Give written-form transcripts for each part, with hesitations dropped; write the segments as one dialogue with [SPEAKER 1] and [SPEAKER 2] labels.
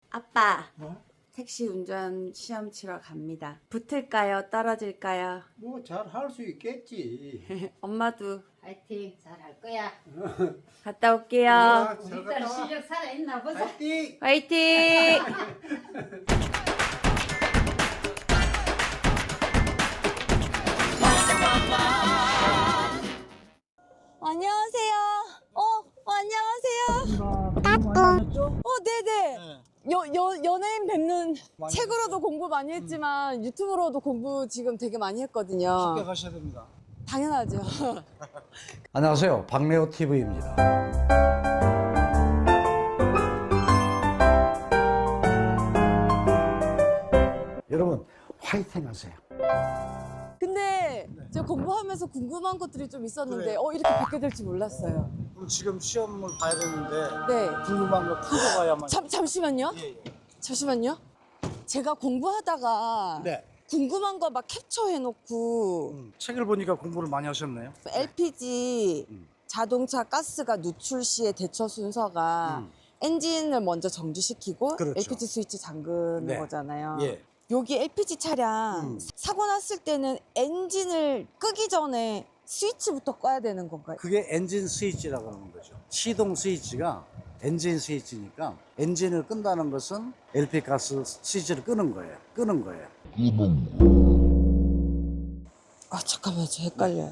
[SPEAKER 1] 아빠,
[SPEAKER 2] 어?
[SPEAKER 1] 택시 운전 시험 치러 갑니다. 붙을까요? 떨어질까요?
[SPEAKER 2] 뭐 잘 할 수 있겠지.
[SPEAKER 1] 엄마도
[SPEAKER 3] 파이팅 잘 할 거야.
[SPEAKER 1] 갔다 올게요.
[SPEAKER 2] 잘
[SPEAKER 3] 우리
[SPEAKER 2] 갔다
[SPEAKER 3] 딸
[SPEAKER 2] 와.
[SPEAKER 3] 실력 살아있나 보자.
[SPEAKER 2] 파이팅!
[SPEAKER 1] 화이팅! 안녕하세요. 안녕하세요. 네네. 연예인 뵙는 책으로도 공부 많이 했지만 유튜브로도 공부 지금 되게 많이 했거든요.
[SPEAKER 2] 합격하셔야 됩니다.
[SPEAKER 1] 당연하죠.
[SPEAKER 4] 안녕하세요. 박래호 TV입니다. 여러분 화이팅 하세요.
[SPEAKER 1] 근데 제가 공부하면서 궁금한 것들이 좀 있었는데
[SPEAKER 2] 그래.
[SPEAKER 1] 이렇게 뵙게 될지 몰랐어요.
[SPEAKER 2] 그럼 지금 시험을 봐야 되는데
[SPEAKER 1] 네.
[SPEAKER 2] 궁금한 거 풀고 가야만.
[SPEAKER 1] 잠시만요.
[SPEAKER 2] 예, 예.
[SPEAKER 1] 잠시만요. 제가 공부하다가
[SPEAKER 2] 네.
[SPEAKER 1] 궁금한 거 막 캡처해놓고
[SPEAKER 2] 책을 보니까 공부를 많이 하셨네요.
[SPEAKER 1] LPG 자동차 가스가 누출 시의 대처 순서가 엔진을 먼저 정지시키고
[SPEAKER 2] 그렇죠.
[SPEAKER 1] LPG 스위치 잠그는
[SPEAKER 2] 네.
[SPEAKER 1] 거잖아요.
[SPEAKER 2] 예.
[SPEAKER 1] 여기 LPG 차량 사고 났을 때는 엔진을 끄기 전에 스위치부터 꺼야 되는 건가요?
[SPEAKER 4] 그게 엔진 스위치라고 하는 거죠. 시동 스위치가 엔진 스위치니까 엔진을 끈다는 것은 LP 가스 스위치를 끄는 거예요. 끄는 거예요.
[SPEAKER 1] 아 잠깐만요. 저 헷갈려요.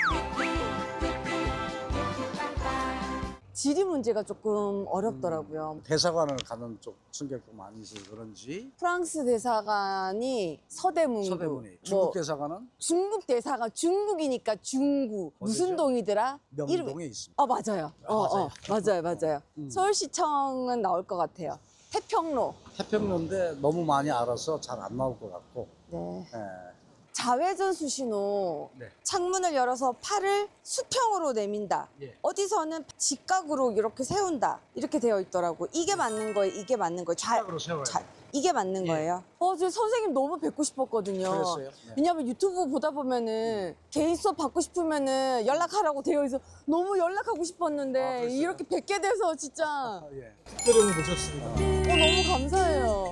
[SPEAKER 1] 지리 문제가 조금 어렵더라고요.
[SPEAKER 4] 대사관을 가는 쪽 승객도 많이 있어서 그런지
[SPEAKER 1] 프랑스 대사관이 서대문구,
[SPEAKER 4] 서대문이 중국 대사관은
[SPEAKER 1] 중국 대사관 중국이니까 중구 무슨
[SPEAKER 4] 어디죠?
[SPEAKER 1] 동이더라?
[SPEAKER 4] 명동에 있습니다.
[SPEAKER 1] 맞아요. 맞아요. 서울시청은 나올 것 같아요. 태평로.
[SPEAKER 4] 태평로인데 너무 많이 알아서 잘 안 나올 것 같고
[SPEAKER 1] 네.
[SPEAKER 4] 예.
[SPEAKER 1] 자외선 수신호.
[SPEAKER 4] 네.
[SPEAKER 1] 창문을 열어서 팔을 수평으로 내민다.
[SPEAKER 4] 예.
[SPEAKER 1] 어디서는 직각으로 이렇게 세운다. 이렇게 되어 있더라고. 이게 맞는 거예요. 이게 맞는 거예요.
[SPEAKER 4] 직각으로 세워야 돼요.
[SPEAKER 1] 이게 맞는
[SPEAKER 4] 예.
[SPEAKER 1] 거예요. 저 선생님 너무 뵙고 싶었거든요.
[SPEAKER 4] 그랬어요? 네.
[SPEAKER 1] 왜냐면 유튜브 보다 보면은 개인 수업 받고 싶으면은 연락하라고 되어 있어. 너무 연락하고 싶었는데
[SPEAKER 4] 그랬어요?
[SPEAKER 1] 이렇게 뵙게 돼서 진짜
[SPEAKER 4] 예.
[SPEAKER 2] 특별히 모셨습니다.
[SPEAKER 1] 너무 감사해요.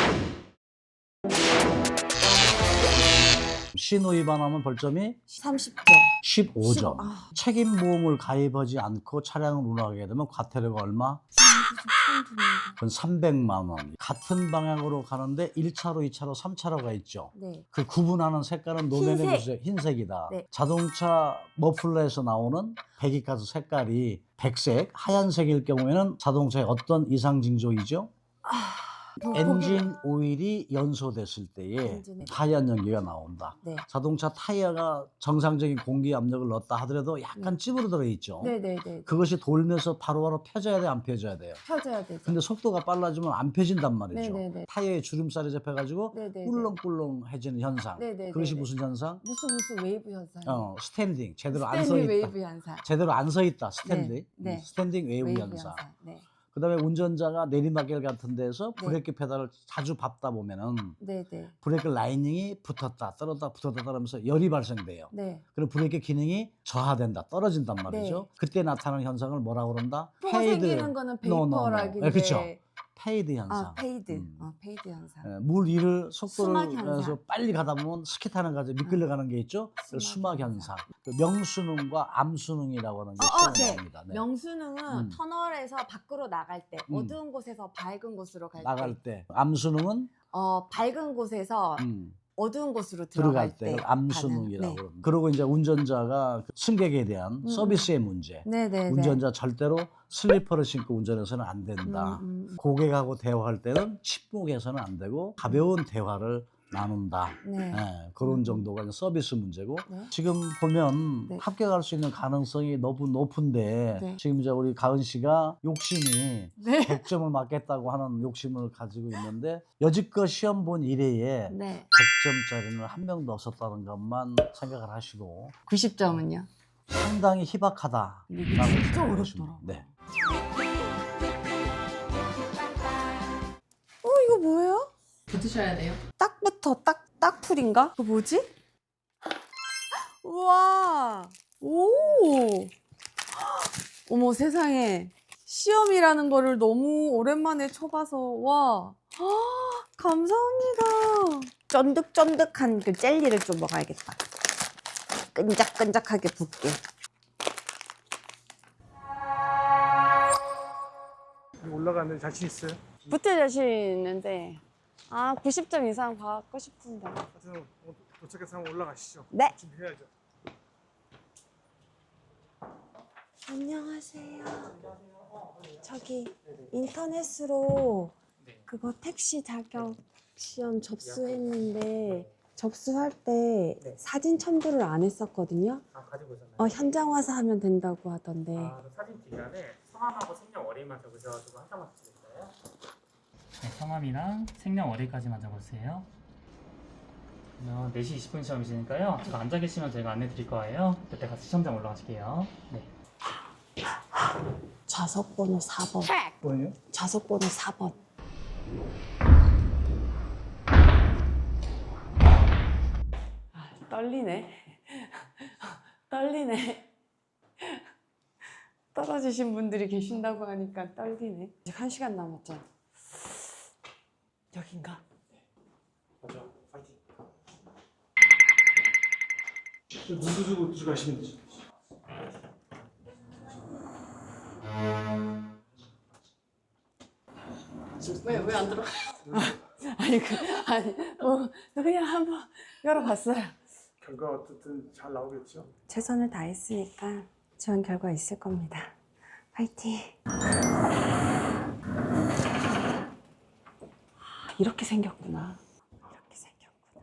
[SPEAKER 4] 신호 위반하면 벌점이
[SPEAKER 1] 30점.
[SPEAKER 4] 15점.
[SPEAKER 1] 아.
[SPEAKER 4] 책임 보험을 가입하지 않고 차량을 운행하게 되면 과태료가 얼마? 그건 300만 원. 같은 방향으로 가는데 1차로, 2차로, 3차로가 있죠.
[SPEAKER 1] 네.
[SPEAKER 4] 그 구분하는 색깔은 노면의
[SPEAKER 1] 흰색.
[SPEAKER 4] 흰색이다.
[SPEAKER 1] 네.
[SPEAKER 4] 자동차 머플러에서 나오는 배기가스 색깔이 백색, 하얀색일 경우에는 자동차의 어떤 이상 징조이죠? 엔진 오일이 연소됐을 때에
[SPEAKER 1] 엔진에.
[SPEAKER 4] 하얀 연기가 나온다.
[SPEAKER 1] 네.
[SPEAKER 4] 자동차 타이어가 정상적인 공기 압력을 넣었다 하더라도 약간 찌부러져 있죠.
[SPEAKER 1] 네네네.
[SPEAKER 4] 그것이 돌면서 바로바로 펴져야 돼, 안 펴져야 돼요.
[SPEAKER 1] 펴져야 되죠.
[SPEAKER 4] 근데 속도가 빨라지면 안 펴진단 말이죠.
[SPEAKER 1] 네네네.
[SPEAKER 4] 타이어에 주름살이 잡혀가지고
[SPEAKER 1] 네네네.
[SPEAKER 4] 꿀렁꿀렁해지는 현상.
[SPEAKER 1] 네네네.
[SPEAKER 4] 그것이 무슨 현상?
[SPEAKER 1] 무슨 웨이브 현상.
[SPEAKER 4] 스탠딩. 제대로 안 서
[SPEAKER 1] 스탠리
[SPEAKER 4] 있다.
[SPEAKER 1] 웨이브 현상.
[SPEAKER 4] 제대로 안 서 있다. 스탠딩.
[SPEAKER 1] 네, 네.
[SPEAKER 4] 스탠딩 웨이브
[SPEAKER 1] 웨이브
[SPEAKER 4] 현상.
[SPEAKER 1] 네.
[SPEAKER 4] 그다음에 운전자가 내리막길 같은 데서
[SPEAKER 1] 네.
[SPEAKER 4] 브레이크 페달을 자주 밟다 보면은
[SPEAKER 1] 네네.
[SPEAKER 4] 브레이크 라이닝이 붙었다 떨어졌다 붙었다 떨어지면서 열이 발생돼요.
[SPEAKER 1] 네.
[SPEAKER 4] 그럼 브레이크 기능이 저하된다 떨어진단 말이죠.
[SPEAKER 1] 네.
[SPEAKER 4] 그때 나타나는 현상을 뭐라고 그런다?
[SPEAKER 1] 표가 생기는 거는 베이퍼락인데.
[SPEAKER 4] 네, 그렇죠. 페이드 현상.
[SPEAKER 1] 아, 페이드. 페이드 현상.
[SPEAKER 4] 물 위를 속도를
[SPEAKER 1] 수막 현상.
[SPEAKER 4] 내서 빨리 가다 보면 스키 타는 가지 미끌려 가는 게 있죠.
[SPEAKER 1] 수막
[SPEAKER 4] 수막 현상.
[SPEAKER 1] 현상.
[SPEAKER 4] 그 명수능과 암수능이라고 하는 게 시험에 나옵니다. 네.
[SPEAKER 1] 명수능은 터널에서 밖으로 나갈 때, 어두운 곳에서 밝은 곳으로 갈
[SPEAKER 4] 나갈
[SPEAKER 1] 때,
[SPEAKER 4] 때 암수능은
[SPEAKER 1] 밝은 곳에서 어두운 곳으로
[SPEAKER 4] 들어갈
[SPEAKER 1] 들어갈
[SPEAKER 4] 때
[SPEAKER 1] 때
[SPEAKER 4] 암수능이라고
[SPEAKER 1] 네.
[SPEAKER 4] 그럽니다. 그리고 이제 운전자가 그 승객에 대한 서비스의 문제.
[SPEAKER 1] 네네.
[SPEAKER 4] 운전자 절대로 슬리퍼를 신고 운전해서는 안 된다. 고객하고 대화할 때는 침묵해서는 안 되고 가벼운 대화를 나눈다.
[SPEAKER 1] 네.
[SPEAKER 4] 예, 그런 정도가 이제 서비스 문제고
[SPEAKER 1] 네.
[SPEAKER 4] 지금 보면
[SPEAKER 1] 네.
[SPEAKER 4] 합격할 수 있는 가능성이 너무 높은데
[SPEAKER 1] 네.
[SPEAKER 4] 지금 이제 우리 가은 씨가 욕심이
[SPEAKER 1] 네.
[SPEAKER 4] 100점을 맞겠다고 하는 욕심을 가지고 있는데 여지껏 시험 본 이래에
[SPEAKER 1] 네.
[SPEAKER 4] 100점짜리는 한 명도 없었다는 것만 생각을 하시고
[SPEAKER 1] 90점은요?
[SPEAKER 4] 상당히 희박하다.
[SPEAKER 1] 이게 진짜 어렵더라고요.
[SPEAKER 4] 네.
[SPEAKER 1] 이거 뭐예요?
[SPEAKER 3] 붙으셔야 돼요.
[SPEAKER 1] 딱부터 딱풀인가? 그거 뭐지? 우와. 오. 어머 세상에. 시험이라는 거를 너무 오랜만에 쳐봐서 와 감사합니다. 쫀득쫀득한 그 젤리를 좀 먹어야겠다. 끈적끈적하게 붓게.
[SPEAKER 2] 올라가는데 자신 있어요?
[SPEAKER 1] 붙을 자신 있는데 90점 이상 받고 싶은데.
[SPEAKER 2] 하여튼 도착해서 한번 올라가시죠.
[SPEAKER 1] 네.
[SPEAKER 2] 준비해야죠.
[SPEAKER 1] 안녕하세요. 저기 인터넷으로 그거 택시 자격 시험 접수했는데 접수할 때 사진 첨부를 안 했었거든요.
[SPEAKER 5] 가지고 오셨나요?
[SPEAKER 1] 현장 와서 하면 된다고 하던데.
[SPEAKER 5] 그 사진 기간에 성함하고 생년월일만 적으셔가지고 한 장만 드릴까요? 네, 성함이랑 생년월일까지만 적으세요. 4시 20분 시험이시니까요. 제가 앉아 계시면 제가 안내 드릴 거예요. 그때 같이 시험장 올라가실게요. 네.
[SPEAKER 1] 좌석 번호 4번.
[SPEAKER 2] 뭐예요?
[SPEAKER 1] 좌석 번호 4번. 떨리네. 떨리네. 떨어지신 분들이 계신다고 하니까 떨리네. 아직 1시간 남았죠? 여긴가?
[SPEAKER 2] 맞아. 파이팅. 문도 주고 들어가시면 되죠.
[SPEAKER 1] 왜 안 들어? 그냥 한번 열어봤어요.
[SPEAKER 2] 결과 어떻든 잘 나오겠죠?
[SPEAKER 1] 최선을 다했으니까 좋은 결과 있을 겁니다. 파이팅! 이렇게 생겼구나. 이렇게 생겼구나.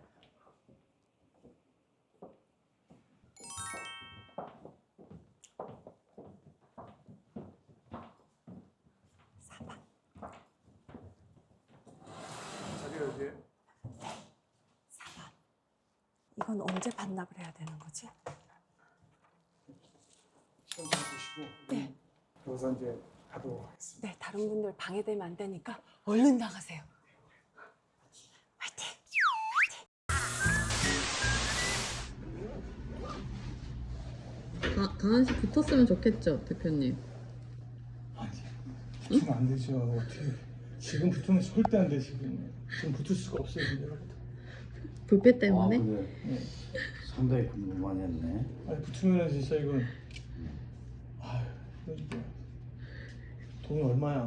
[SPEAKER 2] 자리가 여기에.
[SPEAKER 1] 4번. 이건 언제 반납을 해야 되는 거지?
[SPEAKER 2] 시험 잘 보시고.
[SPEAKER 1] 네.
[SPEAKER 2] 여기서 이제 가도록 하겠습니다.
[SPEAKER 1] 네, 다른 분들 방해되면 안 되니까 얼른 나가세요. 화이팅!
[SPEAKER 6] 강한씨 붙었으면 좋겠죠, 대표님.
[SPEAKER 7] 붙으면 안 되죠. 어떻게 지금 붙으면 절대 안 돼. 지금 붙을 수가 없어요. 내가부터.
[SPEAKER 6] 불빛 때문에?
[SPEAKER 4] 근데 상당히 공부 많이 했네.
[SPEAKER 7] 아니 붙으면 진짜 이건 아유 이거 돈이 얼마야.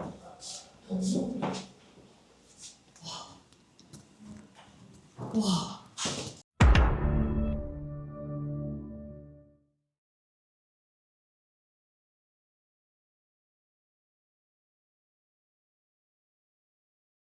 [SPEAKER 1] 와.